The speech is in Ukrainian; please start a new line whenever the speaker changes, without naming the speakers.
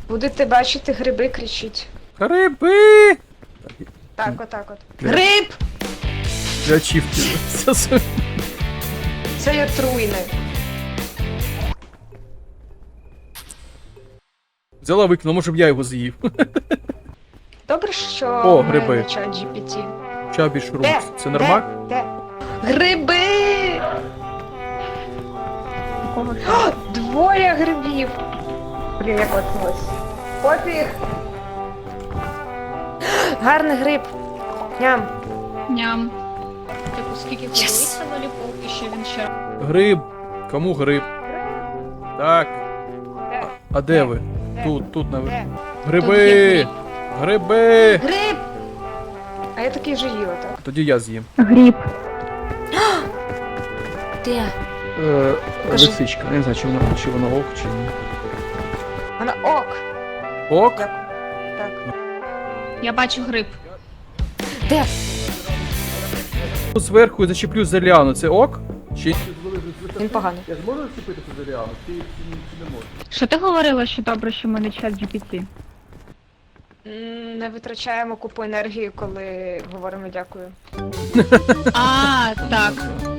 Будете бачити гриби, кричіть.
Гриби!
Так, отак от.
Де?
Гриб!
Я чіфтів.
Це є труйне.
Взяла викинула, може б я його з'їв.
Добре, що
О,
в мене
гриби.
чат GPT.
Чабі шрумс. Це нормально?
Де? Гриби! О, двоє грибів! Блін, як отмось. Пофіг! Гарний гриб. Ням.
Ням. Типу, скільки ходиться воліпов, і ще він ще.
Гриб. Кому гриб? Так.
Де?
А де ви?
Де?
Тут наверх.
Де?
Гриби! Гриби!
Гриб! А я такий же їла, так?
Тоді я з'їм.
Гриб.
Де? Покажи.
Лисичка. Я не знаю, чи вона ок, чи ні.
Вона ок.
Ок?
Дякую. Так.
Я бачу гриб.
Де?
Зверху зачеплю за ліану. Це ок? Чи...
Він поганий.
Я зможу зачепити за ліану? Чи не можу?
Що ти говорила, що добре, що в мене чат GPT?
Не витрачаємо купу енергії, коли говоримо дякую.
А, так.